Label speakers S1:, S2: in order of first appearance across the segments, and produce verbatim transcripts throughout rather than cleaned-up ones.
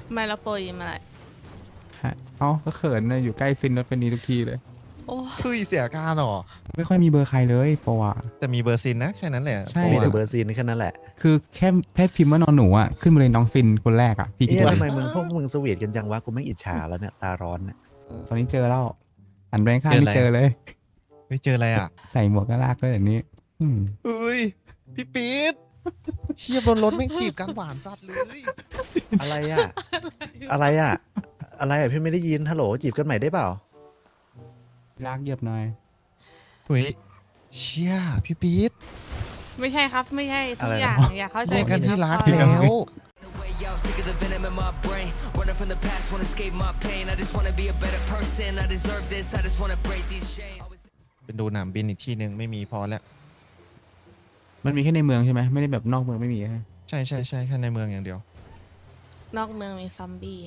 S1: ไม่ละโปรยิมอะไร
S2: ฮะเอ้าก็เขินนะอยู่ใกล้ซินรถเป็นนี้ทุกทีเลย
S1: โอ้
S3: คุยเสียการหรอ
S2: ไม่ค่อยมีเบอร์ใครเลยโปรอ่ะ
S3: แต่มีเบอร์ซินนะแค่นั้นแหละ
S2: ใช่
S3: โปร
S4: มีแต่
S3: อะ
S4: เบอร์ซีนแค่นั้นแหละ
S2: คือแค่แค่พิมพ์ว่านอนหนูอ่ะขึ้นมาเลยน้องซินคนแรกอ่ะพี่คิด
S4: เอ๊ะ
S2: ว่า
S4: ทำไมมึงพวกมึงสวีทกันจังวะกูไม่อิจฉาแล้วเนี่ยตาร้อนเนี่ย
S2: ตอนนี้เจอแล้วหันไปข้างไม่เจอเลย
S3: ไม่เจออะไรอ่ะ
S2: ใส่หมวกก็ลากก็แบบนี้ อืม
S3: เฮ้ยพี่ปี๊ดเชียบนรถไม่งจีบกันหวานสัตว์เลย
S4: อะไรอ่ะ อะไรอ่ะ อะไรอ่ะพี่ไม่ได้ยินฮัลโหลจีบกันใหม่ได้เปล่า
S2: ลากเหยียบหน่อย
S3: เฮ้ยเชียพี่ปี๊ด
S1: ไม่ใช่ครับไม่ใช่ทุก
S4: อะไรนะ
S1: อย่างอย่าเข้าใจ
S3: เรียกกัน
S1: ผิด
S3: ที่
S1: ค
S3: รัก
S1: บ
S3: แล้ว
S5: Way out, sick of the venom in my brain. Running from the past, wanna escape my pain. I just wanna be a better person. I deserve this. I just wanna break these chains.
S3: เป็นดูหนามบินอีกที่หนึ่งไม่มีพอแล้ว
S2: มันมีแค่ในเมืองใช่ไหมไม่ได้แบบนอกเมืองไม่มีใช่ไหม
S3: ใช่ใช่ใช่แค่ในเมืองอย่างเดียว
S1: นอกเมืองมีซอมบี้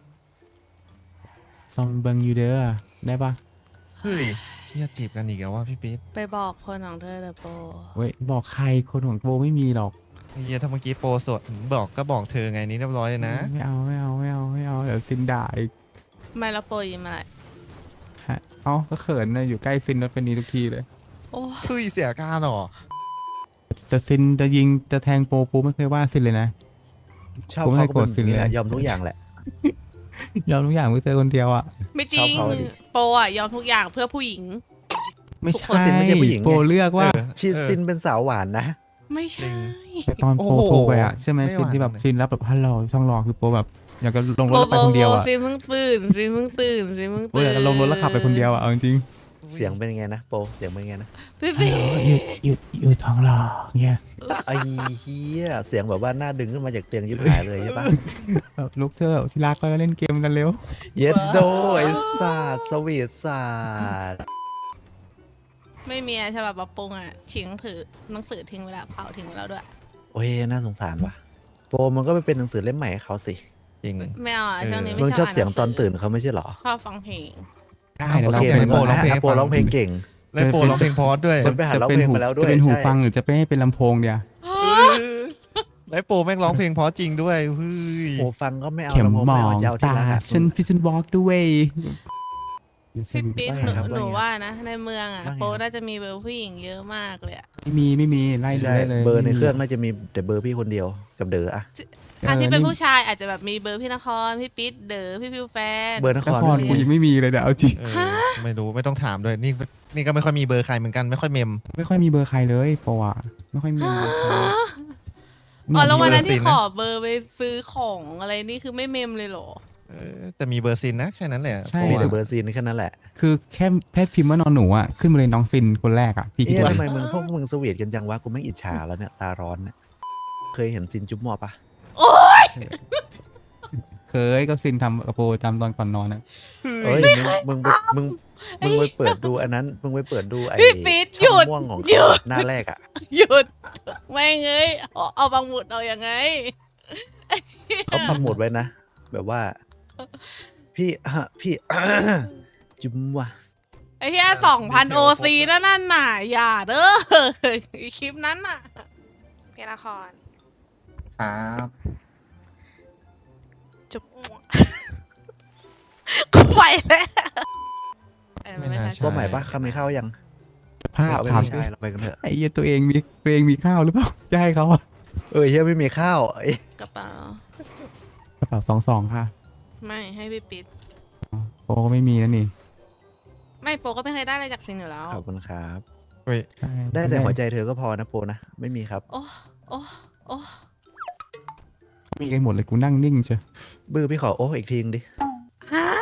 S2: ซองเบิงยูเดอร์ได้ปะ
S3: เฮ้ยเชียจีบกันอีกแล้วว่าพี่ปี๊ด
S1: ไปบอกคนของเธอเถอะโปร
S2: เว้ยบอกใครคนของโบไม่มีหรอก
S3: ไอ้เฮียถ้าเมื่อกี้โปรสดบอกก็บอกเธอไงนี่เรียบร้อยเลยนะ
S2: ไม่เอาไม่เอาไม่เอาไม่เอาเดี๋ยวซินด่าอีก
S1: ไม่ละโปรยิมอะไร
S2: ฮะเอ้าก็เขินนะอยู่ใกล้ซินรถเป็นนี้ทุกทีเลย
S1: โอ้
S3: เฮ้ยเสียการหรอ
S2: แต่ซินจะยิงจะแทงโปโปไม่เคยว่าซินเลยนะ
S4: ชอบ
S2: ผมไม่
S4: เขา
S2: ให้
S4: ก็
S2: โกรธ
S4: เป็นอย่างนี้
S2: สิเลย
S4: แหละยอมทุกอย่างแหละ
S2: ยอมทุกอย่างเพื่อเจอคนเดียวอ่ะ
S1: ไม่จริ
S4: ชอง บเขาดิ
S1: โปรอะยอมทุกอย่างเพื่อผู้หญิง
S2: ไม่
S4: ทุกคน
S2: ใช่
S4: ซินไม่ใช่ผู้หญิงไง
S2: โปเลือกว่า
S3: เออ
S4: ชีซินเป็นสาวหวานนะ
S1: ไม่ใช่
S2: แต่ตอนโป
S3: โอ้โห
S2: โทรไปอ่ะใช่ไหม
S3: ไม่
S2: ซินที่แบบ
S3: หวานเลย
S2: ซินรับแบบฮัลโหลช่องรอคือโปแบบอยากจะลงรถ
S1: โป
S2: แล้วไปคนเดียวอ่ะ
S1: ซิเพิ่งตื่นซิเพิ่งตื่นซิเพิ่ง
S2: โป
S1: ตื่น
S2: อยากจะลงรถแล้วขับไปคนเดียวอ่ะเอาจริง
S4: เสียงเป็นยังไงนะโปเสียงเป็นยังไงนะ
S1: พี่
S2: ๆ
S1: ปี
S2: อยู่อยู่อยู่ท้องรอเงี้ย
S4: ไอ้เฮียเสียงแบบว่าหน้าดึงขึ้นมาจากเตียงยิบหายเลยใช่ปะ
S2: แบบลุกเธอะที่รักก็เล่นเกมกันเร็ว
S4: เย็ดโดไอ้ศาสตร์สวีทศาสตร์
S1: ไม่มีอะฉบับปรับปรุงอะทิ้งถือหนังสือทิ้งไว้แล้วเผาทิ้งไว้แล้วด้วย
S4: โอ้ยน่าสงสารว่ะโปมันก็ไปเป็นหนังสือเล่มใหม่ให้เขาสิ
S3: จริง
S1: ไม่เอาอะ
S3: เออ
S1: ช่วงนี้ไม่
S4: มึง
S1: ช
S4: ช
S1: อ
S4: อ
S1: บบ อ่าน
S4: เสียง
S1: หสื
S4: ตอนตื่นเขาไม่ใช่เหรอ
S1: ชอบฟังเพลง
S2: ได้
S4: โอ
S2: เดี๋ยวเรา
S4: เค
S2: เพล
S4: งั้
S2: ง
S4: น
S3: โป
S4: มา
S3: ร้องเพลง
S4: นะ
S3: ให้
S4: โป
S3: ฟัง
S4: ร้องเพลงเก่ง
S3: และโปรร้องเพลงพอสด้วย
S4: จะไปหาร้อง
S2: เป็น
S4: เพลง
S2: หู
S4: มาแล้วด้วย
S2: จะเป็นหู
S4: ใช่
S2: ฟังหรือจะไปให้เป็นลำโพงเดียว
S3: และโปรแม่งร้องเพลงเพอจริงด้วยเฮ้ย
S4: โอ้ฟังก็ไม่เอา
S2: เข็ม
S4: แล้วโ
S2: หมอ
S4: ไเอา
S2: ง
S4: จะเอาที่
S2: ตา
S4: รักอะ
S2: ฉันพิซซันวอล์กด้วย
S1: พี่ปิ๊ด
S4: ว่า
S1: ห
S4: ไง
S1: นู
S4: ครับ
S1: หนู
S4: ว่าไง
S1: ว่านะ ในเมืองอะ
S4: ว่าไง
S1: โปร
S4: ครับ
S1: น่าจะมีเบอร์ผู้หญิงเยอะมากเลยอะ
S2: ไม่มีไม่มีไล่ดู
S4: ใช่
S2: ได้เลย
S4: เบอร์ใน
S2: ไม่มี
S4: เครื่องน่าจะมีแต่เบอร์พี่คนเดียวกับเด๋ออะ
S1: อันที่เป็น
S2: ออ
S1: ผู้ชายอาจจะแบบมีเบอร์พี่นครพี่ปิ๊ดเด๋อพี่ฟิวแฟน
S4: เบอร์นค
S2: น
S4: ร
S2: คร
S4: ไม่
S2: กู
S4: มี
S2: ยังไม่มีเลยเดี๋ยวเอาจริง
S3: เออไม่รู้ไม่ต้องถามด้วยนี่นี่ก็ไม่ค่อยมีเบอร์ใครเหมือนกันไม่ค่อยเมม
S2: ไม่ค่อยมีเบอร์ใครเลยเพราะว่าไม่ค่อยมีเบอร์ใคร
S1: อ๋อแล้ววันนั้น
S3: เบอร์
S1: ที่
S3: สิน
S1: ข
S3: นะ
S1: อเบอร์ไปซื้อของอะไรนี่คือไม่เมมเลยเหรอ
S3: เออแต่มีเบอร์ซินนะแค่นั้นแหละ
S2: ใช่
S3: โปร
S4: มี
S3: อะ
S4: แต่เบอร์ซีนแค่นั้นแหละ
S2: คือแค่แค่พิมพ์ว่านอนหนูอ่ะขึ้นมาเลยน้องซินคนแรกอ่ะพี่คิด
S4: เอ๊ะ
S2: ว่า
S4: ทำไมมึงพวกมึงสวีทกันจังวะกูไม่อิจฉาแล้วเนี่ยตาร้อนเนี่ยเคยเห็นซินจุ๊บหมอปะ
S1: โอ๊ย
S2: เคยก็ซินทำกระโปรงจำตอนก่อนนอนนะ
S4: เอ้ยมึงมึงไปมึงมึงไปเปิดดูอันนั้นมึงไปเปิดดูไอ้
S1: พี่ปิ๊ดห
S4: ช่
S1: ยุ
S4: อง
S1: ด
S4: ม่วงของ
S1: หยุ
S4: เขา
S1: ด
S4: หน้าแรกอะ
S1: หยุดแม่งเอ้ยเอาเอาบางหมุดเอายังไง
S4: เขาปักหมุดไว้นะ แบบว่า พี่ฮะพี่ จุ๊บว่ะ
S1: ไอ้เหี้ยสองพันโอซีนั่นนั่นน่ะอย่าเด้อคลิปนั้นน่ะพี่นคร
S3: ครับ
S1: จุ๊บกูไปแล้วเอ้ยมันไม่ใช่
S4: ตัวใหม่ปะคำมีข้าวยัง
S2: ภาพ
S4: เอาไป
S2: ถาม
S4: ไม่ใช่เราไปกันเถอะ
S2: ไอ้เหี้ยตัวเองมีตัวเองมีข้าวหรือเปล่าจะให้เขาอะ
S4: เออเฮียไม่มีข้าวเอ้ย
S1: กระเป๋าก
S2: ระเป๋าสองสองค่ะ
S1: ไม่ให้พี่ปิ๊ด
S2: โปก็ไม่มีนะนี่
S1: ไม่โปก็ไม่เคยได้อะไรจากซินอยู่แล้ว
S4: ขอบคุณครับ
S3: เฮ้ย
S2: ใช่
S4: ได้แต่หัวใจเธอก็พอนะโปนะ ไม่มีครับ
S1: โอ้โอ้โอ้
S2: มีกันหมดเลยกูนั่งนิ่งเชียว
S4: บื้อพี่ขอโอ้อีกทีนึงดิ
S1: ฮะ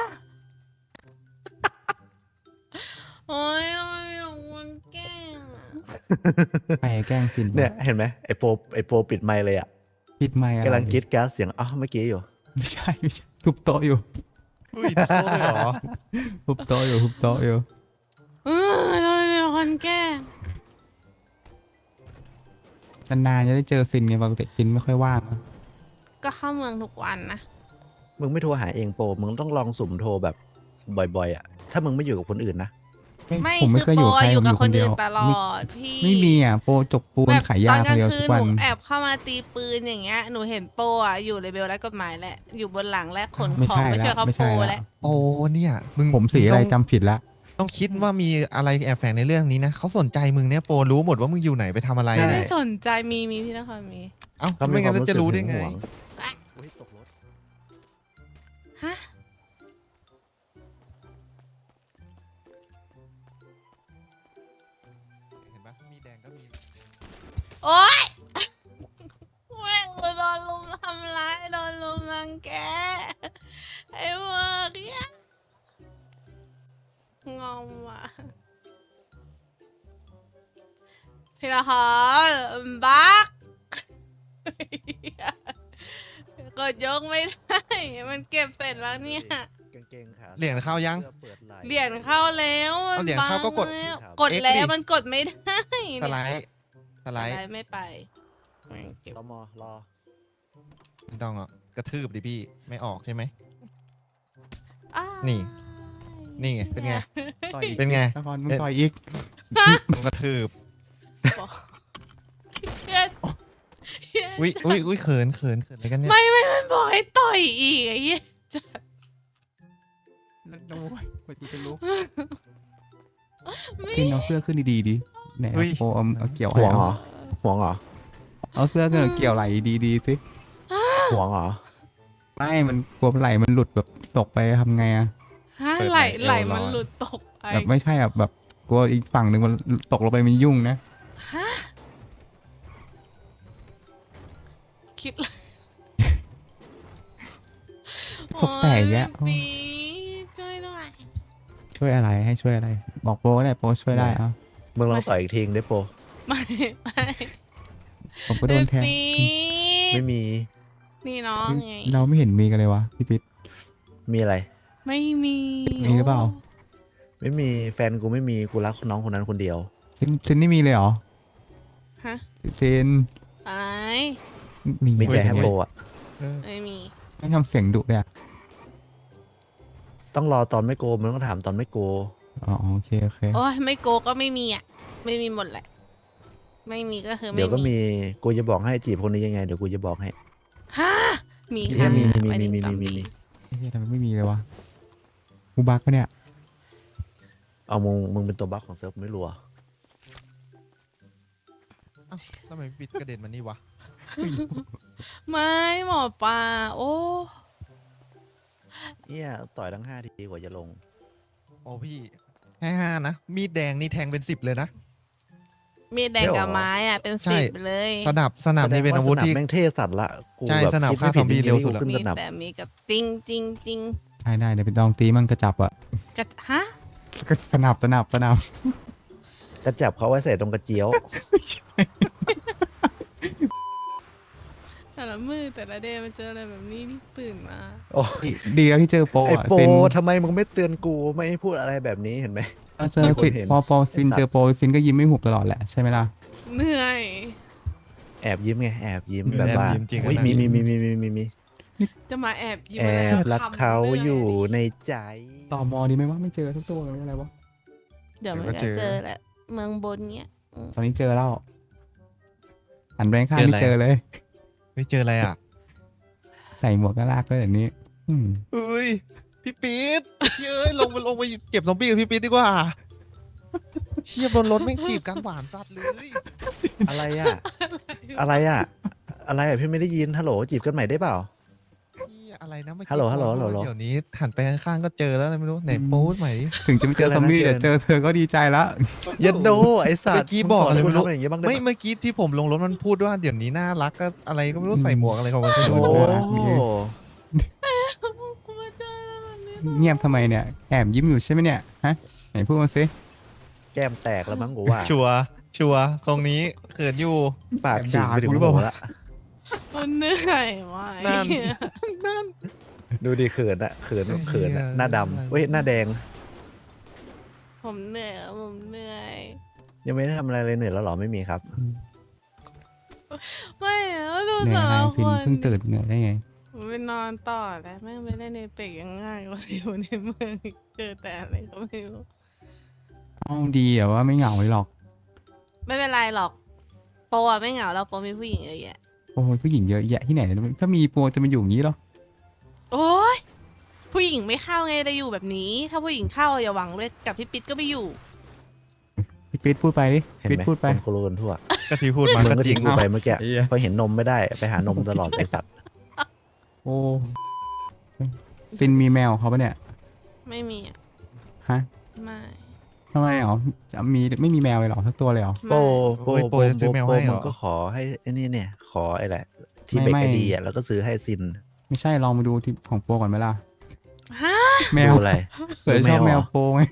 S1: โอ้ยทำไมมีแต่คนแกล้งอะ
S2: ไปแกล้งซิน
S4: เนี่ยเห็นไหมไอโปไอโปปิดไมค์เลยอ่ะ
S2: ปิดไมค์อะไร
S4: กำลังกรีดกราร์ดเสียงอ๋อเมื่อกี้อยู่
S2: ไม่ใช่ไม่ใช่ทุบโต๊ะอยู่
S3: เฮ้ยโตเลยเหรอ
S2: ทุบโต๊ะอยู่ทุบโต๊ะอยู่
S1: เออทำไมมีแต่คนแกล้ง
S2: นานๆจะได้เจอซินไงปกติซินไม่ค่อยว่าง
S1: ก็เข้าเมืองทุกวันนะ
S4: มึงไม่โทรหาเองโป มึงต้องลองสุ่มโทรแบบบ่อยๆอ่ะ ถ้ามึงไม่อยู่กับคนอื่นนะ
S1: ไม่
S2: ผมไม่
S1: คือ
S2: เคย
S1: โป
S2: อยู่กับใคร
S1: อะอยู่กับ
S2: ผม
S1: คน
S2: เดี
S1: อื่
S2: ย
S1: น
S2: ว
S1: ตล
S2: ไม่
S1: อดพี่
S2: ไม่มีอ่ะโปจกปูน
S1: แบบ
S2: ขาย
S1: ต
S2: ยา
S1: อนกลาง
S2: คนเดียว
S1: คื
S2: ทุ
S1: น
S2: ก
S1: ห
S2: วั
S1: นู
S2: น
S1: แอบเข้ามาตีปืนอย่างเงี้ยหนูเห็นโปอะอยู่เลเวลและกฎหมายแหละอยู่บนหลังและขน
S2: ไม่
S1: ของ
S2: ใช่
S1: ไปช่วย
S2: ละ
S1: เขา
S2: ไม่
S1: โป
S2: ใช่
S1: แห
S2: ละ
S1: ละ
S3: โอ้เนี่ยมึง
S2: ผมสี
S3: ง
S2: อะไร
S3: ต้ง
S2: จำผิดละ
S3: ต้องคิดว่ามีอะไรแอบแฝงในเรื่องนี้นะเขาสนใจมึงเนี่ยโปรรู้หมดว่ามึงอยู่ไหนไปทำอะไร
S1: ไม่
S3: เนี่
S1: ได้
S3: ย
S1: สนใจมีมีพี่นครมี
S3: เอ้า
S4: เขามี
S3: ไม่
S4: ค
S3: งั้
S4: วาม
S3: น
S4: รู้
S3: จะ
S4: สึก
S3: รู้
S4: หึ
S3: ได้
S4: ง
S3: ไง
S4: หวง
S1: อ่ะ
S4: อุ๊ยตกรถ
S1: ฮะ
S3: เห็นปะมีแดงก็มี
S1: โอ๊ยแม่งโดนลุมทำร้ายโดนลุมรังแกไอ้เวอร์เนี่ยงอมว่ะพี่ละครบักกดยกไม่ได้มันเก็บเสร็จแล้วเนี่ย
S4: กางเกงขา
S3: เหรียญเข้ายัง
S4: สื้อเปิดไหล่
S1: เหรียญเข้าแล้ว
S3: เอาเหรียญเข้าก็กด
S1: บังแล้ว
S4: ครับ
S1: กดแล้
S3: X ดิ
S1: วมันกดไม่ได้
S3: สไลด์ส
S1: ส
S3: ไล
S1: ไล
S3: ด์
S1: ด์ไม่ไปแม่งเก็บ
S4: ตมรอ
S3: ไม่ต้องอ่ะกระทืบดิพี่ไม่ออกใช่ไหม
S1: อ้าย
S3: นี่ นี่ไงเป็นไง
S2: ต่อยอีก
S3: เป็นไง
S2: นครมึงต่อยอีก
S3: มึงกระทืบ
S1: เหี้ยเหี้ย
S3: อุ้ยอุ้ยอุ้ยเขินเขินเขินอะไรกันเนี่ย
S1: ไม่ไม่มันบอกให้ต่อยอีกไอ้เหี้ยจะ
S2: แล้วโอ้ยกว่ากูจะรู้
S1: ไม่
S2: ทินเอาเสื้อขึ้นดีๆดิไหน
S3: อุ้ย
S2: โปเอาเอาเกี่ยว
S4: ห่วง
S2: ให้
S4: เหร
S2: เอา
S4: อห่วงเหรอ
S2: เอาเสื้อขึ้นเอาเกี่ยวไหลดีๆสิ
S4: ห่วงเหรอ
S2: ไม่มันกลัวไหลมันหลุดแบบตกไปทำไงอะ
S1: ฮะ
S3: เปิด
S1: ไหล
S3: ไหล
S1: ไหล
S3: เอวลอย
S1: มันหลุดตกไป
S2: แบบไม่ใช่อะแบบกลัวอีกฝั่งหนึ่งมันตกลงไปมันยุ่งนะ
S1: ฮะคิดเลย
S2: ตกแตกแยะ
S1: โอ้ปีช่วยหน่อย
S2: ช่วยอะไรให้ช่วยอะไร บอกโปก็ได้โปช่วยได้เอา
S4: มึงลองต่อยอีกทีได้โปร
S1: ไม่ไม่
S2: ผมก็โดนแทง
S1: ปี
S4: ไม่มี
S1: นี่น้องไง
S2: เราไม่เห็นมีกันเลยวะพี่ปิ๊ด
S4: มีอะไร
S1: ไม่มี
S2: มีหรือเปล่า
S4: ไม่มีแฟนกูไม่มีกูรักน้องคนนั้นคนเดียว
S2: ซินซินนี่มีเลยเหรอ
S1: ฮะ
S2: ซิน
S1: อะไร
S2: มี
S4: มีใจให้โปร
S2: อะ
S4: อ่ะ
S3: เออ
S1: ไม่มี
S2: ไม่ทำเสียงดุเลยอะ
S4: ต้องรอตอนไม่โกมึงต้องถามตอนไม่โก
S2: อ๋อโอเคโอเค
S1: โอ้ยไม่โกก็ไม่มีอ่ะ ไม่มีหมดแหละ ไม่มีก็คือไม่มี
S4: เดี๋ยวก็มีกูจะบอกให้จีบคนนี้ยังไงเดี๋ยวกูจะบอกให้
S1: ฮะมี
S4: มี
S1: ค่ะ
S4: มีมี
S1: ไว้
S4: มี
S1: ใน
S4: มี
S1: จำ
S4: มี
S1: ปี
S4: มี
S2: เฮ้ยทำไมไม่มีเลยวะกูบักปะเนี่ย
S4: เอามึงมึงเป็นตัวบั๊กของเซิร์ฟไม่รัว
S3: เอ้าทำไมปิดกระเด็นมานี่วะ
S1: ไม่หมอปลาโอ้
S4: เนี่ยต่อยทั้งห้าทีกว่าจะลง
S3: โอ้พี่แค่ห้านะมีดแดงนี่แทงเป็นสิบเลยนะ
S1: มีดแดงกับไม้อ่ะเป็น
S3: ใช่
S1: สิบเลย
S3: สนับสนับนี่เป็นอาวุธที่
S4: แสดงสนับแม่งเท่สัตว์ละกู
S3: ใช่
S4: แบบ
S3: สนับ
S4: คิด
S3: ฆ่า
S4: ไม่ผิด
S3: ซอมบี้
S4: จงๆ
S3: เร็วสุด
S4: ที่
S3: อะ
S4: กูขึ้น
S1: มี
S4: สนับ
S1: แต่มีกับจริงจริงจริง
S2: ได้ได้เดี๋ยวไปลองตีมันกระจับอะ
S1: กระฮะ
S2: ก็สนับสนับสนับ
S4: กระจับเขาไว้ใส่ตรงกระเจียว
S1: แต่ละมือแต่ละเดย์มันเจออะไรแบบนี้นี่ตื่นมา
S4: โอ้ย
S2: ดีแล้วที่เจอโป
S4: ไอ้
S2: อะ
S4: โป
S2: ซิน
S4: ทำไมมึงไม่เตือนกูไม่ให้พูดอะไรแบบนี้เห็นไหม
S2: เจอซิน
S4: เห็น
S2: พอพอซิน
S4: ไอ้สัตว์
S2: เจอโปซินก็ยิ้มไม่หุบตลอดแหละใช่ไหมล่ะ
S1: เหนื่อย
S4: แอบยิ้มไงแอบยิ้ม
S3: แอบ
S4: แบบว่า
S3: ยิ้มจริง
S4: เฮ้ย
S3: นะ
S4: มีมีมีมีมีมีมี
S1: จะมาแอบยิ้ม
S4: แอ
S1: อะไร
S4: บรัก
S1: คำ
S4: เขา
S1: หนื่
S4: อยู่ในใจ
S2: ต่อมอดีไหมว่าไม่เจอทุกตัวเลยอะไรวะ
S1: เดี๋ยวมัน
S3: เดี๋ยวก็
S1: ก็
S3: เจอ
S1: เจอแหละเมืองบนเนี้ยอืม
S2: ตอนนี้เจอแล้วหันไปข้าง
S3: เจอ
S2: ไม่
S3: อะไร
S2: เจอเลย
S3: ไม่เจออะไรอ่ะ
S2: ใส่หมวกก็ลากเลยแบบนี้ อืม
S3: เฮ้ยพี่ปี๊ดเย้ยลงไปลงไปเก็บซอมบี้กับพี่ปี๊ดดีกว่าเชี่ยบนรถไม่งจีบกันหวานสัตว์เลย
S4: อะไรอ่ะ อะไรอ่ะ อะไรอ่ะพี่ไม่ได้ยินฮัลโหลจีบกันใหม่ได้เปล่า
S3: เหี้ยอะไรนะเมื่อกี้
S4: ฮัลโหลฮัลโหลฮัลโหล
S3: เดี๋ยวนี้หันไปข้างๆก็เจอแล้วอะไรไม่รู้ไหนโป๊ดใหม่ดิ
S2: ถึงจะไม่เจอซอมบี้
S4: เจออะไรนะ
S2: แต่เจอเธอก็ดีใจแล้ว
S4: ยัดโดไอ้สัต
S3: เมื่
S4: ว์
S3: อกี้บอกอะไร
S4: มึ
S3: ไม่
S4: งส
S3: รู้
S4: นกูทำอย่างงี้บ้างได้
S3: ไม่
S4: ปะ
S3: เมื่อกี้ที่ผมลงรถมันพูดว่าเดี๋ยวนี้น่ารักก็อะไรก็ไม่รู้ใส่หมวกอะไรของมันไม่
S4: โอ้
S3: รู้
S4: โห
S1: กูมาเจออะไรแบบนี้
S2: เงียบทำไมเนี่ยแอบยิ้มอยู่ใช่ไหมเนี่ยฮะไหนพูดมาสิ
S4: แก้มแตกแล้วมั้งกูว่า
S3: ชัวร์ชัวร์ตรงนี้เขินอยู่
S4: ปากฉีกไปถึงหัวละ
S1: มันเหนื่อยมาก
S3: นั่น นั่น
S4: ดูดิเขินอะเขินแบบเขินอะ
S3: เหี้ย
S4: หน้าดำเว้ยหน้าแดง
S1: ผมเหนื่อยอะผมเหนื่อย
S4: ยังไม่ได้ทำอะไรเลยเหนื่อยแล้วเหรอไม่มีครับ
S1: ไม่อะดู
S2: เหนื่อย
S1: แต่
S2: อะไร
S1: ละค
S2: ซิน
S1: น
S2: เพิ่งตื่นเหนื่อยได้ไง
S1: ผมไปนอนต่อแล้วแม่งไปเล่นในเปกยังง่ายกว่าอยู่ในเมืองอีกเจอแต่อะไรก็ไม่รู้
S2: เอาดีอะว่าไม่เหงาเลยหรอก
S1: ไม่เป็นไรหรอกโปอะไม่เหงาแล้วโปมีผู้หญิงเยอะแยะ
S2: โอ้ยผู้หญิงเยอะแยะที่ไหนเนี่ยถ้ามีโปรจะมาอยู่อย่างนี้เหรอ
S1: โอ้ยผู้หญิงไม่เข้าไงจะอยู่แบบนี้ ถ้าผู้หญิงเข้าอย่าหวังเลยกับพี่ปิ๊ดก็ไม่อยู่
S2: พี่ปิ๊ดพูดไปดิ
S4: เห็น
S2: ปิ๊ด
S4: ไหม
S2: พูดไป
S4: คนโคโลนทั่ว
S3: ก็ที่พูดมา
S4: มึง
S3: ก็
S4: ก็
S3: จริ
S4: ทิ้
S3: ง
S4: งกูไปเมื่อกี้
S3: ไอ้เหี้ย
S4: พอเห็นนมไม่ได้ไปหานมตลอดไอ้สัตว์
S2: โอ้ซินมีแมวเขาปะเนี่ย
S1: ไม่มีอ่ะ
S2: ฮะ
S1: ไม่
S2: ทำไมอ๋อมีไม่มีแมวเลยเหรอสักตัวเลยเหรอ
S4: โป
S1: ไม่
S4: โป
S3: โอ้ย
S4: โป
S3: โปรจะซื้อแมว
S4: โป
S3: ให้เหรอ
S4: มึงก็ขอให้ไอ้นี่เนี่ย ขอไอ้แหละ ที่
S2: ไม่
S4: เบก
S2: ไม่
S4: ไอดีอ่ะแล้วก็ซื้อให้ซิน
S2: ไม่ใช่ลองมาดูที่ของโปรก่อนไหมล่ะ
S1: ฮะ
S2: แมว
S4: ดูอะไร
S2: เผื่อชอบ
S4: ดู
S2: แม
S4: เหร
S2: วโปรไง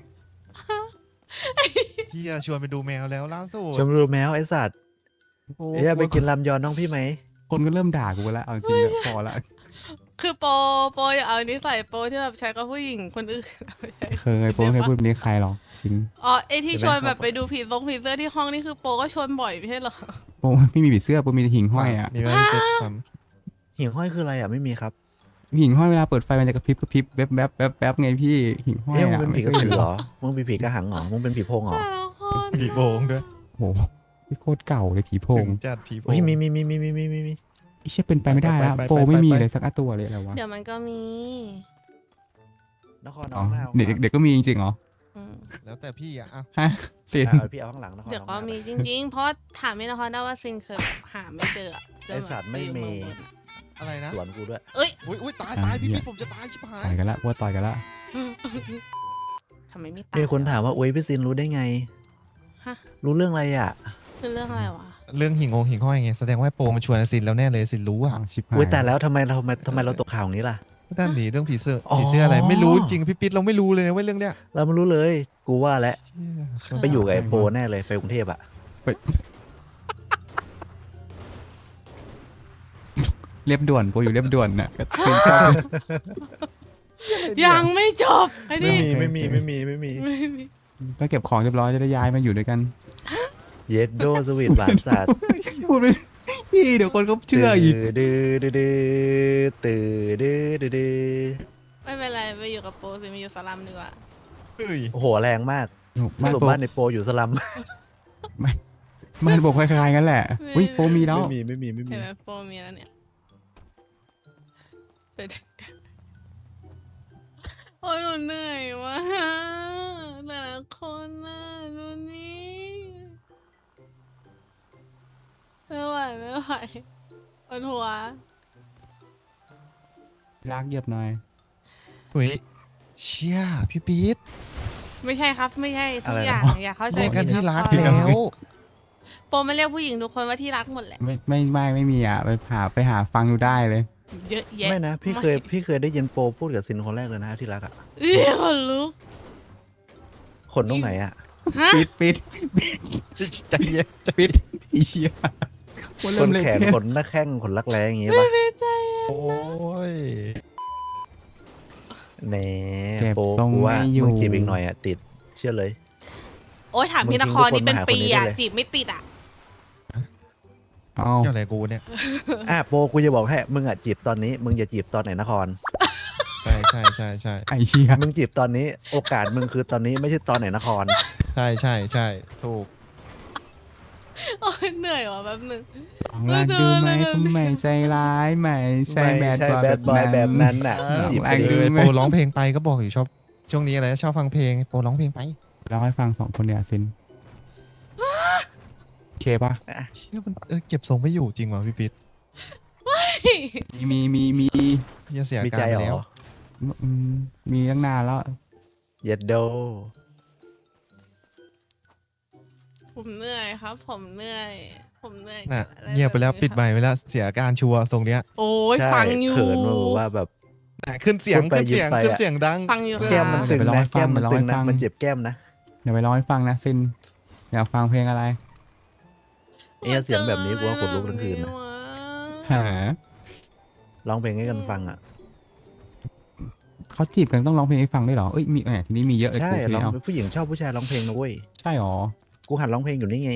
S3: เชี่ยชวนไปดูแมวแล้วล่าสุด
S4: ชมดูแมวไอ้สัตว์
S2: โอ้
S4: เอ้ยไปกินลำยอนน้องพี่ไหม
S2: คนก็เริ่มด่ากูแล้วเอาจริงๆแล้วพอละ
S1: คือโปโปอย่าเอานิสัยโปที่แบบใช้กับผู้หญิงคนอื่น ไม่ใช่
S2: เคยโปรไม่เคยพูดแบบนี้ใครหรอกจริง
S1: อ๋อไอที่ชวนแบบไปดูผีทรงผีเสื้อที่ห้องนี่คือโปก็ชวนบ่อยไม่ใช่เหรอ
S2: โปรไม่มีผีเสื้อโปรมีแต่หิ่งห้อยอ่ะ
S3: มีไหมพี่ปิ๊ดท
S4: หิ่งห้อยคืออะไรอ่ะไม่มีครับ
S2: หิ่งห้อยเวลาเปิดไฟมันจะกระพริบกระพริบแวบแวบแวบแวบไงพี่หิ่งห้อย
S4: เอ้ยมึง
S2: อ่ะ
S4: เป็นผีกระ
S2: ไม่ค
S4: สื
S2: ย
S4: อ
S2: ห็น
S4: เหรอมึงเป็นผีกระหังเหรอมึงเป็นผีโพงเหรอ
S1: แต่ละคน
S3: ำผีโพงด้วย
S2: โอ้โหพี่โคตรเก่าเลยผีโพง
S3: ถึจัดผีโพง
S4: เฮ้ยมีมีมีมีมีมีมีมี
S2: ไอ้เชี่ยเป็นไปไม่ได้แล้ว
S3: ไปไปไป
S2: โปรไม่มี
S3: ไปไป
S2: เลยสักตัวเลยอะไรวะ
S1: เดี๋ยวมันก็มี
S4: นคร
S2: อ๋
S4: น้
S2: อ
S4: องหน้า
S2: เด็กเด็กก็มีจริงๆเหรอ
S1: อืม
S3: แล้วแต่พี่อ่ะอ่ะ
S2: ฮะเสียน
S4: เอาพี่เอาข้างหลังนคร
S1: เดี๋ยว
S4: น้อง
S1: ก็
S4: หน้า
S1: มีจริง ๆ เพราะถามพี่นครได้ว่าซินเคยแบบหาไม่เจออะจน
S4: ไอ้
S1: แบบ
S4: สัตว์ไม่
S1: ปอยู่
S4: มี
S1: เองบนอะ
S3: อะไรนะ
S4: สวนกูด้วย
S1: เอ้ย
S3: อุ้ยอุ้ยตายตายพี่ปิ๊ดผมจะตายชิบหาย
S2: ต่อยกันละว่าต่อยกันละ
S1: ทำไมไม่ตาย
S4: มีคนถามว่าอุ้ยพี่ซินรู้ได้ไง
S1: ฮะ
S4: รู้เรื่องอะไรอ่ะ
S1: คือเรื่องอะไรวะ
S3: เรื่องหิ่งองหิ่งห้อยไงแสดงว่าโปรมันชวนซินแล้วแน่เลยซินรู้อ่ะ
S2: อ้าวชิบหาย
S4: อุ้ยแต่แล้วทำไมเราทำไมทำไมเราตกข่าวอย่างนี้ล่ะ
S3: ด้านหนีเรื่องผีเสื้อ
S4: อ๋อ
S3: ผีเสื้ออะไรไม่รู้จริงพี่ปิ๊ดเราไม่รู้เลยนะเว่าเรื่องเนี้ย
S4: เราไม่รู้เลย กูว่าแล้ว
S3: เชี่ยชวน
S4: ไปอยู่กับไอ้โปแน่เลยไปกรุงเทพอ่ะ
S2: เรียบด่วนโปรอยู่เรียบด่วนน่ะก็เป็นเจ้าเป็น
S1: ยังไม่จบไอ้
S4: ไม่
S1: นี่
S4: มีไม่มีไม่มีไม่มี
S1: ไม่มี
S2: ก็เก็บของเรียบร้อยจะได้ย้ายมาอยู่ด้วยกัน
S4: เย็ดโดสวีทหวานสัตว์
S2: พูดไปพี่เดี๋ยวคนเขาเชื่ออีก
S4: ดื้อดื้อดื้อตื่อดื้อดื้อดื้อ
S1: ไม่เป็นไรไปอยู่กับโปรสิมาอยู่สลัมดีกว่า
S3: เฮ้ย
S4: โอ้โหแรงมากส
S2: ไม่
S4: รุป
S2: โปร
S4: บ้านในโปอยู่สลัม
S2: มันบอกคล้ายๆกันแหละอุ้ยโปรมีแล้ว
S4: ไม่มีไม่มีไม่มี
S1: เห็นไหมโปรมีแล้วเนี่ยเป็นโอ้ยหนูเหนื่อยว่ะแต่ละคนน่ะดูนี่ไม่ไหวไม่ไหวปวดหัว
S2: รักเหยียบหน่อย
S3: เฮ้ยเชี่ยพี่ปิ๊ด
S1: ไม่ใช่ครับไม่ใช่ทุกอย่างอย่าเข้าใจ
S3: เรียกกัน
S1: ผิด
S3: ที่รัก
S1: คบ
S3: แล้ว
S1: โปรไม่เรียกผู้หญิงทุกคนว่าที่รักหมดแหละ
S2: ไม่ไม่ไม่ไม่มีอ่ะไปหาไปหาฟังดูได้เลย
S1: เยอะแยะ
S4: ไม่นะพี่เคยพี่เคยได้ยินโปพูดกับซินคนแรกเลยนะที่รักอ่ะ
S1: เอ้ยคนลุก
S4: ขนตรงไหนอ่ะ
S1: ฮะ
S2: ปิดปิด
S3: ใจเย็น
S2: ปิดอีเชียคน
S4: ข
S2: เริ่ม
S4: น
S2: เล่
S4: แขน
S2: เท
S4: ขนหน้าแข้งขนรักแร้อย่างงี้
S1: ไม่
S4: ปะ
S1: เป็นใจ
S3: โอ้ย
S4: แหน่
S2: เก็บ
S4: โป
S2: ทรง
S4: กูว่า
S2: ไม่อยู่
S4: มึงจีบอีกหน่อยอ่ะติดเชื่อเลย
S1: โอ้ยถามพี่นครนี่เป็นปีอะจีบไม่ติดอะ
S2: เอา
S3: เกี่ยวอะไรกูเนี่ย
S4: อ่ะโปกูจะบอกให้มึงอ่ะจีบตอนนี้ มึงอย่าจีบตอนไหนนคร
S3: ใช่ใช่ใช่ใช่
S2: ไอเชีย
S4: มึงจีบตอนนี้โอกาสมึงคือตอนนี้ไม่ใช่ตอนไหนนคร
S3: ใช่ใช่ใช่ถูก
S1: โอ้ยเหนื่อยว่ะแป๊บนึง
S2: ลองรักดูไหมผมไม่ใจร้ายไม่ใช่แบด
S4: ใช่
S2: บอย
S4: แบ
S2: แบ
S4: ด
S2: บบ
S4: อยแบบ
S2: นั้
S4: นั้น นน่ะ
S3: เออ
S4: จีบ
S2: ล
S4: ไป
S2: อง
S4: ดิ
S2: ดู
S3: เลย
S2: ไหม
S3: โปรร้องเพลงไปก็บอกอยู่ชอบช่วงนี้อะไรชอบฟังเพลงโปรร้องเพลงไป
S2: เราให้ฟังสองคนเนี่ยซินโอเคปะ
S3: เชื่อมันเออเก็บทรงไม่อยู่จริงว่ะพี่ปิ๊ด
S2: มีมีมีมี
S3: พี่จะเสีย
S4: มี
S3: กา
S4: ใจ
S3: รไป
S4: เหร
S3: แล้ว
S4: อ
S2: อืมมีตั้งนานแล้ว
S4: เย็ดโด
S1: ผมเหนื่อยครับ ผมเหนื่อย ผมเหนื่อย
S3: น่ะ
S1: กับอะไร
S3: เงียบไปแล้ว
S1: บบ
S3: ปิด
S1: นี้
S3: ใบไปแล้วเสียอาการชัวร์ทรงเนี้ย
S1: โอ้ย
S4: ใช่
S1: ฟังอยู่
S4: เขินมาบอกว่าแบบ
S3: น่ะขึ้นเสียง
S4: พูดไป
S3: ขึ้นเสียง
S4: หยุดไป
S3: ขึ้น
S4: อะ
S3: เสียงดัง
S1: ฟังอยู่
S4: แก้มมัน
S1: ค่ะ
S4: ตึง
S2: เดี๋ยวไปร้อง
S4: นะ
S2: ให้ฟัง
S4: แก้มมันตึง
S2: เดี๋ยวไปร้องให้ฟั
S4: นะ
S2: ง
S4: มันเจ็บแก้มนะ
S2: เดี๋ยวไปร้องให้ฟังนะซินอยากฟังเพลงอะไร
S4: เอ้ยเสียงแบบนี้กูว่าขนลุกทั้งคืนนะ
S2: หา
S4: ร้องเพลงให้กันฟังอ่ะ
S2: เขาจีบกันต้องร้องเพลงให้ฟังด้วยเหรอเอ้ยมีแหมทีนี้มีเยอะเลย
S4: ใช่
S2: กูที
S4: ร้อง
S2: นี้เอา
S4: ผู้หญิงชอบผู้ชายร้องเพลงนะเว้ย
S2: ใช่หรอ
S4: กูหัดร้องเพลงอยู่นี่ไง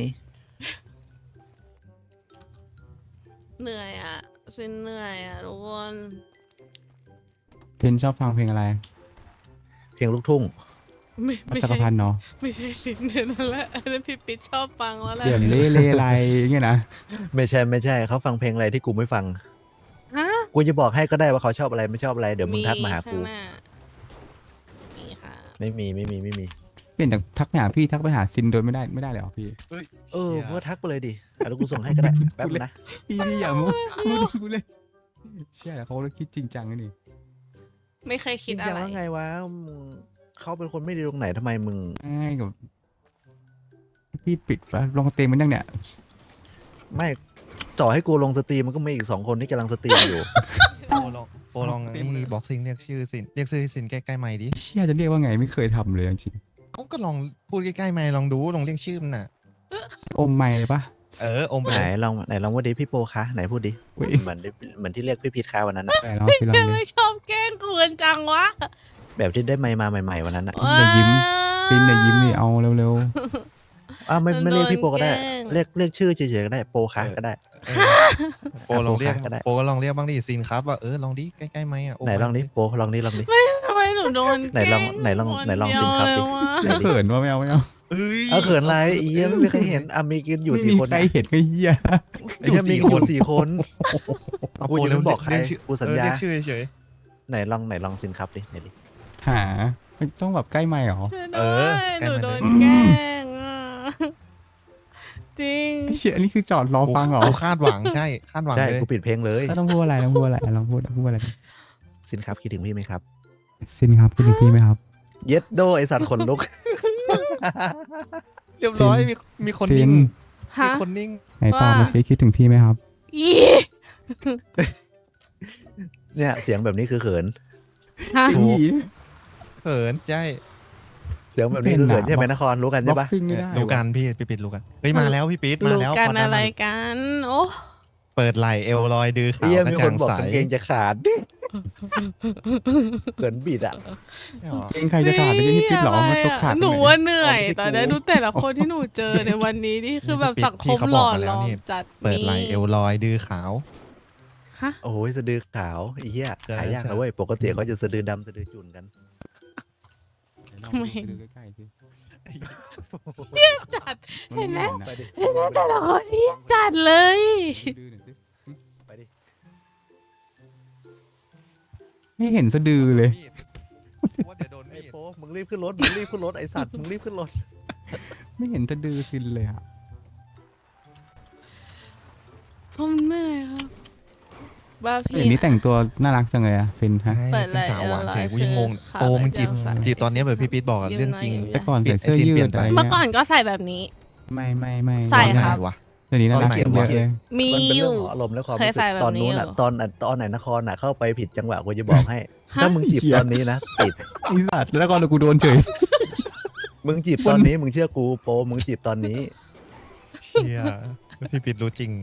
S1: เหนื่อยอ่ะซินเหนื่อยอ่ะทุกคน
S2: เพนชอบฟังเพลงอะไร
S4: เพลงลูกทุ่ง
S1: ไม่
S2: วั
S1: ไม่
S2: ดจักร
S1: ใช่
S2: พันธ์เนาะ
S1: ไม่ใช่สินเดือนนั่นแหละอันนั้นพี่ปิ๊ดชอบฟังแล้วแหละ
S2: เดือนเล่เลไรอย่างเงี้ยนะ
S4: ไม่ใช่ไม่ใช่เขาฟังเพลงอะไรที่กูไม่ฟัง
S1: ฮะ
S4: กูจะบอกให้ก็ได้ว่าเขาชอบอะไรไม่ชอบอะไรเดี๋ยวมึงทักมาหากู
S1: ข้งน้มีค่ะ
S4: ไม่มีไม่มีไม่มี
S2: เปลี่ยนจากทักไปหาพี่ทักไปหาซินโดยไม่ได้ไม่ได้เลยเหรอพี่
S3: เฮ้ย
S4: เออ
S3: ชี่ย
S4: มึงก็ทักไปเลยดิอ่ะแล้วกูส่งให้ก็ได้แป๊บนะ
S2: พี่พี่อย่ามูมูดกูเลยเชื่อแล้วเขาคิดจริงจังนะนี่
S1: ไม่เคย
S4: จ
S1: คิ
S4: ริ
S1: ด
S4: ง
S1: อะ
S4: จัง
S1: ไร
S4: ว่าไงวะมึงเขาเป็นคนไม่ดีตรงไหนทำไมมึง
S2: ง่ายกับพี่ปิดฟ้าลงเต็มมันยังเนี่ย
S4: ไม่ต่อให้กูลงสตรีมมันก็มีอีกสองคนที่กำลังสตรีมอยู่
S3: โปรลองโปรลองนี่บ็อกซิ่งเรียกชื่อสินเรียกชื่อสินใกล้ๆไมค์ดิ
S2: เชื่อจะเรียกว่าไงไม่เคยทำเลยจริง
S3: เขาก็ลองพูดใกล้ๆไมค์ลองดูลองเรียกชื่อมันน่ะ
S2: ๆอมไม่เลยปะ
S3: เอออมไป
S4: ไหน
S3: เลย
S4: ลองไหนลองว่าดิพี่โปคะไหนพูดดิ
S2: อุ๊ย
S4: เหมือนเหมือนที่เรียกพี่พีทคาวันนั้นนะ
S2: แต่ลองสิลองเล
S1: ไม่
S2: ย
S1: ชอบแกล้งกวนจังวะ
S4: แบบที่ได้ไมค์มาใหม่ๆวันนั้นนะ
S2: อย่ายิ้ม ซินเนี่ยยิ้มนี่เอาเร็ว
S4: อ้าวไม่ไม่เรียกพี่โปก็ได้
S1: โดนแกล้ง
S4: เรียกเรียกชื่อเฉยๆก็ได้โปคะก็ได้
S3: เออโปรลองเรียก
S4: ก็ได้
S3: โปรก็ลองเรียกบ้างดิซินครับว่าเออลองดิใกล้ๆไมค์อ่ะม
S4: ไหนลองดิโปลองดิลองดิ
S1: ทำไมหนูโดน
S4: ไหนลองไหนลองไหนลอง
S1: คน
S4: สิครับ
S1: เดี
S4: ดิ
S1: ยวเลยวะ
S2: ๆเขินว่าไม่เอาไม่เอา
S3: เอ้ย
S4: เอาเขินอะไรอีเหี้ยไม่มีใครเห็นอ่ะมีกันอยู่
S2: ไม่
S4: สี่
S2: มี
S4: คน
S2: ใคร
S4: นะ
S2: เห็นก็เฮีย
S4: ไอ้เหี้ยมีกันอยู่สี่คน
S3: เอา
S4: กู
S3: โปร
S4: จะ
S3: เร็ว
S4: ไม่บอกใคร
S3: เรียชื่อ
S4: กูสัญญา
S3: เออเรียกชื่อเฉย
S4: ไหนลองไหนลองสินครับดิไหนดิ
S2: หาไม่ต้องแบบใกล้ไม่หรอ
S1: ช่วย
S3: เอ
S1: ด้ว
S3: อย ใก
S1: ห
S3: ล้
S1: นู
S3: มัน
S1: โด
S3: เลย
S1: นแกล้งอ่ะจริง
S2: ไอ้เชี่ยอันนี้คือจอดรอ
S3: ๆ
S2: ฟังเหรอ
S3: กูคาดหวังใช่คาดหวัง
S4: ใช่
S3: เลย
S4: กูปิดเพลงเลย
S2: แล้วต้องพูดอะไรต้องพูดอะไรลองพูดลองพูดอะไร
S4: สินครับคิดถึงพี่ไหมครับ
S2: ซินครับคิดถึงพี่ไหมครับ
S4: เย็ดโดไอสัตว์ขนลุก
S3: เรียบร้อยมีมีคน
S2: ซิ
S3: นิ่
S2: น
S3: ง
S1: ฮะ
S3: มีคนนิ่ง
S2: ไหนตอบมาซิคิดถึงพี่ไหมครับ
S1: อี
S4: เนี่ยเสียงแบบนี้คือเขิน
S1: ฮะ
S3: ถูก เขินใช่
S4: เสียงแบบนี้คือเขิน
S2: เป็นอะ
S4: ใช่ไหมนครรู้กัน
S2: บ็
S4: ใช่
S2: อก
S4: ปะ
S2: ซิ่งไม่ได้
S3: รู้กันพี่พี่ปิดรู้กันเฮ้ยมาแล้วพี่ปิดมา
S1: รู้
S3: แล้ว
S1: กัน
S3: พด้
S1: อะไร
S3: มา
S1: กัน โอ้
S3: เปิดไหลเอวลอยดือขา
S4: เอี้
S3: วย กระ
S4: มีค
S3: จ่าน ง
S4: บอก
S3: ใส
S4: กางเกงจะขาด เขินบิดอ่ะ
S3: ไม่หรอ
S2: เองใครจะขาดไม่ใช่พี่ปิ๊ดหรอมันตกขาด
S1: หนู
S2: ตรงไ
S1: ว่าเหนื่อย
S4: เอาไปที่
S1: ตอนนี้
S4: กู
S1: ดูแต่ละคนที่หนูเจอในวันนี้นี่คือแบบสังคมหล่อหลอมจัด
S3: เปิดไหลเอวลอยดือขาว
S1: ฮะ
S4: โอ้ยสะดือขาวไอ้เหี้ย
S3: ใช่
S4: หายาก
S3: ใช่
S4: นะเว้ยปกติเขาจะสะดือดำสะดือจุ่นกัน
S2: ลองไปดูใกล้ๆสิ
S1: จัด เห็นไหม
S4: ไปดิ
S1: เห็นไหมแต่ละคนนี่จัดเลย
S2: ดูหน่อยสิ
S4: ไปดิ
S2: ไม่เห็นสะดือเลย
S3: ว่าเดี๋ยวโดน
S4: ไอ้
S3: มีด
S4: โป๊มึงรีบขึ้นรถมึงรีบขึ้นรถไอสัตว์มึงรีบขึ้นรถ
S2: ไม่เห็นสะดือซินเลยอ่ะ
S1: ผมเหนื่อยครับบ้าพี่
S2: เดี๋ยวนี้แต่งตัวน่ารักจังเลยอ่ะซินฮะ
S3: ใช่
S1: เปิด
S3: เป็นสาวหวาน
S1: ไหล่
S3: เฉยกูยังงง
S1: คือขา
S3: โปมึงจีบ
S1: แบบ
S3: จีบตอนนี้แบบพี่ปิดบอกอะ
S1: ยิ้ม
S3: เรื่องจริง
S1: หน่อย
S2: แต่ก่อนใส่เสื้อยืดอะไร
S1: เมื่อ
S2: เงี้ย
S1: ก่อนก็ใส่แบบนี้
S2: ไม่ไม่ไม่
S1: ใส่
S3: ตอนไหน
S1: ครับ
S3: วะ
S2: เดี๋ยวนี้น่ารัก
S3: ตอนไหน
S2: ขึ้นเยอะ
S3: วะ
S2: เลย
S1: มี
S4: มันเป็น
S1: อ
S4: เรื่อยู่ งของอารมณ์และความ
S1: เคย
S4: รู้สึ
S1: ใส่
S4: ก
S1: แบบ
S4: ตอนนู้น
S1: นี้
S4: อ่ะ
S1: อยู่
S4: ตอนตอนไหนนครอ่ะเข้าไปผิดจังหวะกูจะบอกให้
S1: ฮะ
S4: ถ้ามึงจีบตอนนี้นะติด
S2: ไอ้สัตว์แล้วก่อนกูโดนเฉย
S4: มึงจีบตอนนี้มึงเชื่อกูโปมึงจีบตอนนี้
S3: เชี่ยพี่ปิดรู้จริง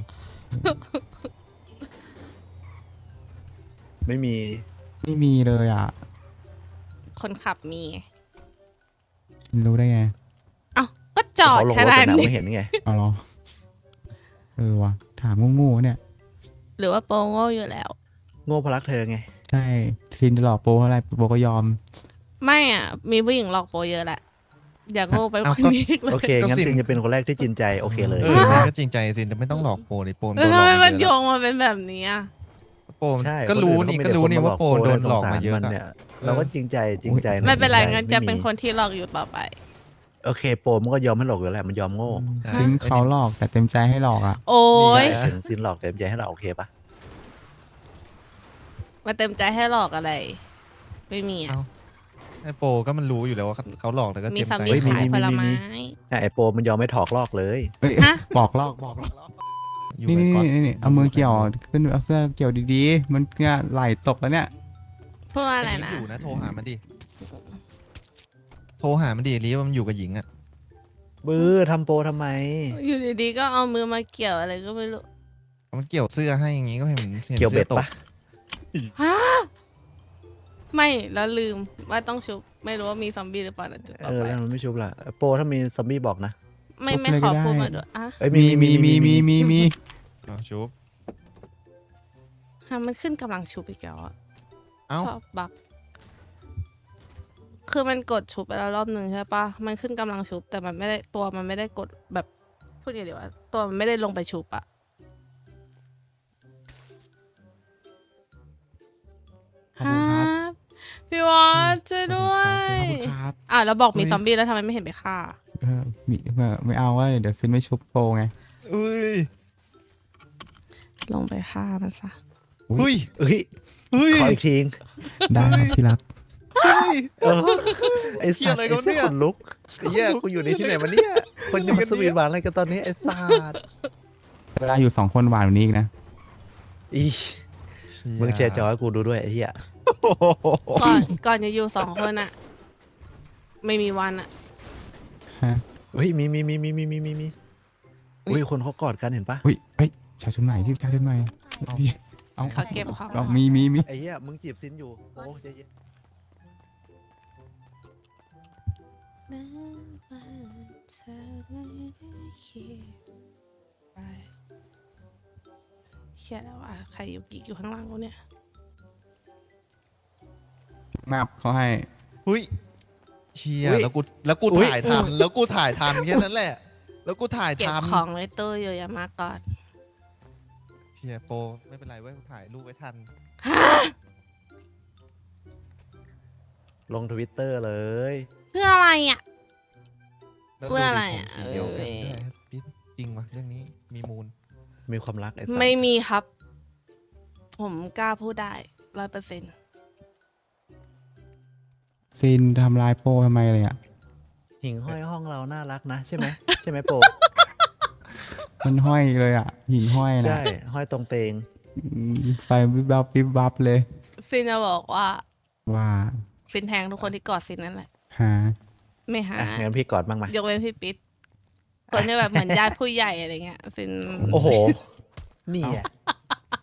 S4: ไม่มี
S2: ไม่มีเลยอ่ะ
S1: คนขับมี
S2: รู้ได้ไง
S1: เอ้าก็จอด
S4: เขาลง
S1: ข
S4: รถ
S1: นา
S4: ไป
S1: ด
S4: นะ
S1: นี้
S4: ไม่เห็นไง
S2: เอาเหรอเออวะถามงูๆเนี่ย
S1: หรือว่าโปโง่อยู่แล้ว
S4: โง่เพราะรักเธอไง
S2: ใช่ซินจะหลอกโปเพราะอะไรโปก็ยอม
S1: ไม่อ่ะ มีผู้หญิงหลอกโปเยอะแหละ อย่าโง่ไป
S3: เอ้า
S1: คน
S3: ก็
S1: นี้เล
S4: โอย เค
S3: ก็
S4: งั้น
S3: สิน
S4: ซินจะเป็นคนแรกที่จริงใจโอเคเลย
S3: เออซินก็จริงใจซินจะไม่ต้องหลอกโปเลยโปม
S1: เอ
S3: โด
S1: อน
S3: หล
S1: ทำ
S3: อก
S1: ไม
S3: มา
S1: มัน
S3: เย
S1: โย
S3: อะ
S1: งมาเป็นแบบนี้อ่ะ
S3: โปม
S4: ใช่
S3: ก็รู้นี่
S4: ค
S3: ก็
S4: อื่
S3: รู้นี่
S4: เข
S3: ว่า
S4: ไ
S3: โปโดนหลอกมาเยอะ
S4: สงสร
S3: อะ
S4: เนี่ยเราก็จริงใจจริงใจะ
S1: ไม่เป็นไร
S4: จงใจ
S1: งั้นจะเป็น
S4: ไมี
S1: คนที่หลอกอยู่ต่อไป
S4: โอเคโปมันก็ยอมให้หลอกอยู่แล้วมันยอมโง่
S3: ใช่
S2: ทิ้งเขาหลอกแต่เต็มใจให้หลอกอ่ะ
S1: โอ้ย
S3: นี่แหละ
S4: ถึงซินหลอกเต็มใจให้เราโอเคปะ
S1: มาเต็มใจให้หลอกอะไร ไม่มีอ่ะ
S3: เอ้า ไอโปก็มันรู้อยู่แล้วว่าเขาหลอกแต่ก็
S1: มี
S3: เต็ม
S1: สา
S3: ใจ
S1: มี
S3: ให้
S1: ขายผลไม้
S4: เนี่ยไอโปมันยอมไม่ถอกลอกเลย
S2: เอ้ย
S1: ฮะ
S2: บอกหลอกบอกหลอก
S3: อยู่
S2: นี่
S3: ไว้
S2: นี่
S3: ก่อน
S2: นี่นี่เอามือเกี่ยวขึ้นเอาเสื้อเกี่ยวดีๆ มันเนี่ยไหลตกแล้วเนี่ย
S1: พูดว่าอะไร
S3: ลิฟ
S1: นะ
S3: อยู่นะโทรหามันดิ โทรหามันดิลีฟว่ามันอยู่กับหญิงอ่ะ
S4: บื้อทำโปทำไม
S1: อยู่ดีๆก็เอามือมาเกี่ยวอะไรก็ไม่รู้
S3: มันเกี่ยวเสื้อให้อย่างงี้ก็เห็นเห็น
S4: เกี่ยวเบ็ด
S3: สื้อต
S4: ปะ
S1: ฮะไม่แล้วลืมว่าต้องชุบ ไม่รู้ว่ามีซอมบี้หรือเปล่านะจุดต่อ
S4: เออ
S1: ไป
S4: แล้วมันไม่ชุบล่ะโปถ้ามีซอมบี้บอกนะ
S1: ไม่ไม่ขอพูดมาด้วยอ่ะ
S4: เอ้ย
S2: มีมีมีมีมีมี
S3: อ๋อชุบ
S1: ฮะมันขึ้นกำลังชุบอีกแล้วอ่ะ
S3: เอ้า
S1: ชอบบักคือมันกดชุบไปแล้วรอบหนึ่งใช่ปะมันขึ้นกำลังชุบ แต่มันไม่ได้ตัวมันไม่ได้กดแบบพูดยังไงดีวะตัวมันไม่ได้ลงไปชุบอะ
S2: ขอบคุณครับ
S1: พี่วอสช่วยด้วย
S2: ขอบคุณครับ
S1: อ่ะแล้วบอกมีซอมบี้แล้วทำไมไม่เห็นไปฆ่า
S2: เออมีไม่ไม่เอาว่าเดี๋ยวซินไม่ชุบโปรไง
S3: อุ้ย
S1: ลงไปฆ่ามันซะ
S3: อุ้ย
S4: เฮ้ย
S3: อุ้ย
S4: ขออีกที
S2: ได้ครับที่รัก
S3: อุ้ย
S4: เออไอ้
S3: เหี้ย
S4: สัต
S3: อะไร
S4: ว์
S3: กั
S4: ไอ้
S3: นเนี่
S4: เสี้ย
S3: ย
S4: ขนลุกไอ้เหี้ยกูอยู่ในที่ไหนมาเนี่ยคนจะมาสวีทหวานอะไรกันตอนนี้ไอ้สัตว์
S2: เวลาอยู่สองคนหวานกว่านี้อีกนะ
S4: อีมึงแชร์จอให้กูดูด้วยไอ้เหี้ย
S3: โอ้โห
S1: ก่อนก่อนจะอยู่สองคนอะไม่มีวันอะ
S2: ฮะ
S4: เฮ้ยมีมีมีมีมีมีมีมีอุ้ยคนเขากอดกันเห็นปะ
S2: อุ้ยเฮ้ยชายชุดใหม่ที่ชายชุดใหม่พี่เอา
S1: เขาเก็บของ
S2: เอามีมีมี
S4: ไอ้เหี้ยมึงจีบซินอยู่โอ้ใจเย็น
S1: เธอไม่ได้คิดไปเขียนแล้วว่าใครอยู่กิ๊กอยู่ข้างล่างกูเนี่ย
S2: มาบเขาให้
S3: อุ้ยเชียแล้วกูแล้วกูถ่ายทันแล้วกูถ่ายทันแค่นั้นแหละ แล้วกูถ่าย
S1: เก็บ
S3: ทัน
S1: ของไว้ตู้อยู่อย่ามาก่อน
S3: เชียโปรไม่เป็นไรเว้ยกูถ่ายรูปไว้ทัน
S4: ลงทวิตเตอร์เลย
S1: เพื่ออะไรอ่ะ
S3: แล้ว
S1: เพื่ออะไร
S3: ดูดิ
S1: อ่ะ
S3: ผมสีเดียวกัน
S1: เอ้ย
S3: ด้วยปิ๊ดจริงวะเรื่องนี้มีมูล
S4: มีความรักไอ้สัตว์
S1: ไม่มีครับ ผมกล้าพูดได้ร้อยเปอร์เซ็นต์
S2: ซินทำลายโปรทำไมเลยอ่ะ
S4: หิ่งห้อยห้องเราน่ารักนะใช่ไหมใช่ไหมโป
S2: มันห้อยเลยอ่ะ หินห้อยนะ
S4: ใช่ห้อยตรงเตง
S2: อืมไฟวิบวับวิบวับเลย
S1: ซินจะบอกว่า
S2: ว่า
S1: ซินแทงทุกคนที่กอดซินนั่นแหละ
S2: หา
S1: ไม่หา
S4: อ่ะงั้นพี่กอดบ้างไหม
S1: ยกเว้นพี่ปิ๊ดคนที่แบบเหมือนญาติผู้ใหญ่อะไรเงี้ยซิน
S4: โอ้โห นี่อ่ะ